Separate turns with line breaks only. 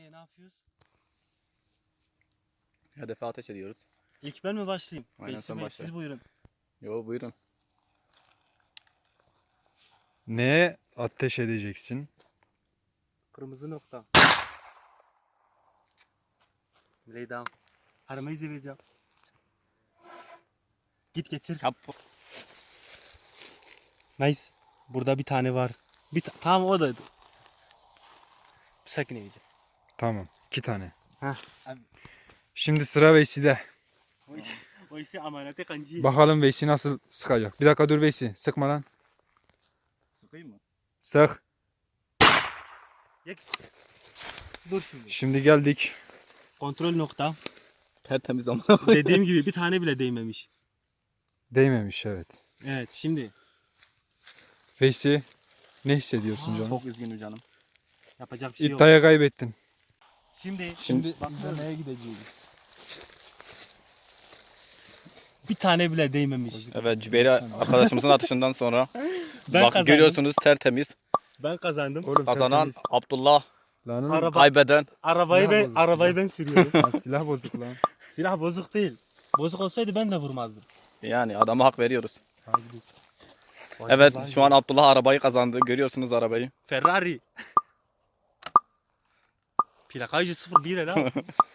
Ne yapıyoruz?
Hedefe ateş ediyoruz.
İlk ben mi başlayayım?
Aynen,
Veysi
sen
Bey,
başla.
siz buyurun.
Yo, buyurun.
Neye ateş edeceksin?
Kırmızı nokta. Lay down. Aramayı izleyeceğim. Git getir.
Yap.
Nice. Burada bir tane var. Tamam, o da. Sakin yiyeceğim.
Tamam. 2 tane.
Heh. Abi.
Şimdi sıra Veysi'de.
O işi amanete kancı.
Bakalım Veysi nasıl sıkacak. Bir dakika dur Veysi. Sıkma lan.
Sıkayım mı?
Sık.
Dur şimdi.
Şimdi geldik.
Kontrol nokta.
Tertemiz ama.
Dediğim gibi bir tane bile değmemiş.
Değmemiş, evet.
Evet, şimdi
Veysi, ne hissediyorsun canım?
Çok üzgünüm canım.
yapacak bir şey yok.
İddiaya kaybettin.
Şimdi
Bak,
neye gideceğiz?
bir tane bile değmemiş.
Evet, Cübeyri arkadaşımızın atışından sonra
Ben
bak
kazandım.
görüyorsunuz tertemiz.
Ben kazandım.
Oğlum,
Kazanan
tertemiz.
Abdullah,
Lan oğlum,
Araba-
kaybeden
Arabayı
Silah
ben
bozuk,
arabayı
silah.
ben sürüyorum.
lan silah bozuk lan.
Silah bozuk değil. Bozuk olsaydı ben de vurmazdım.
yani adama hak veriyoruz.
Hadi gidelim.
Evet, şu an Abdullah arabayı kazandı. Görüyorsunuz arabayı.
Ferrari. Plakajı 01 la.